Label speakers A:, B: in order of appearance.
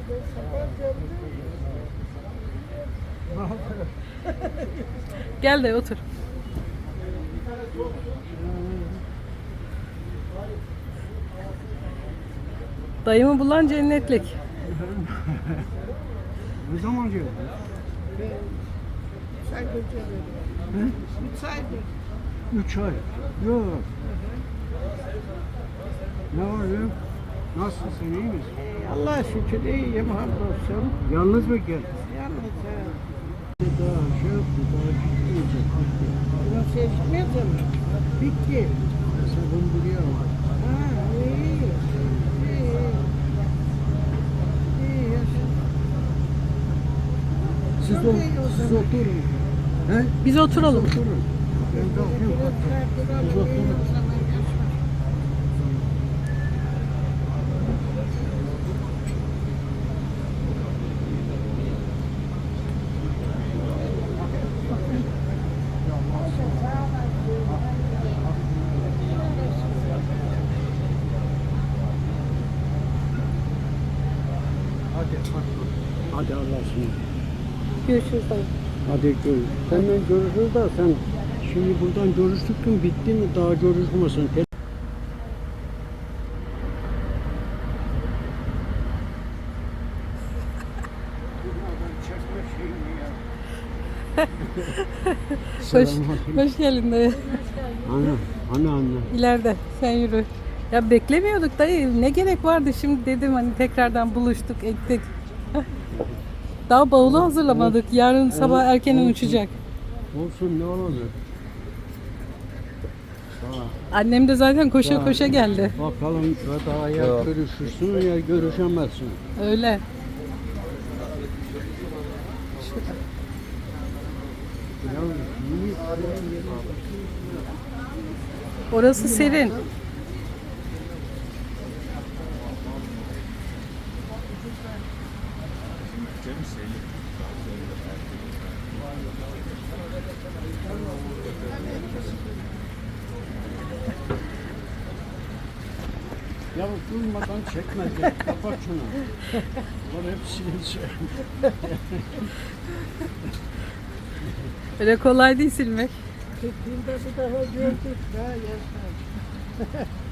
A: Gel de otur. Dayımı bulan cennetlik.
B: Ne zaman geldin?
C: 3 aydır geliyorum. 3 aydır.
B: 3 ay. Yok. Ne var ya? Nasılsın, iyi misin?
C: Allah'a şükür iyiyim, hamdolsun.
B: Yalnız mı geldin?
C: Yalnız
B: Daha şey yaptı, daha gitmeyecek.
C: bunun seçmedi mi? Bitti.
B: Hesabım buraya var.
C: Ha, iyi. İyi. İyi yaşa.
B: Siz,
C: Çok iyi o
B: siz
C: zaman.
B: oturun. He?
A: Biz oturalım.
B: Oturun. Ben kalkayım. Siz oturun. Hadi Allah'a ısmarladık.
A: Görüşürüz dayı.
B: Hadi görüşürüz. Senden görüşürüz da sen şimdi buradan görüştük bitti mi daha görüşmesin.
A: Hoş geldin dayı.
B: Anne.
A: İleride sen yürü. Ya beklemiyorduk dayı. Ne gerek vardı şimdi dedim hani tekrardan buluştuk ettik. Heh. Daha bavulu hazırlamadık. Yarın sabah erkenden
B: olsun.
A: uçacak.
B: Olsun ne olacak?
A: Annem de zaten koşa koşa geldi.
B: Bakalım ya daha ya görüşürsün ya görüşemezsin.
A: Öyle.
B: Ya, iyi.
A: Orası serin.
B: Ya durmadan çekme. Kapat şunu. Bunlar hepsini şey.
A: Öyle kolay değil silmek.
C: Gittiğimde bir daha gördük. Ha, yaşa.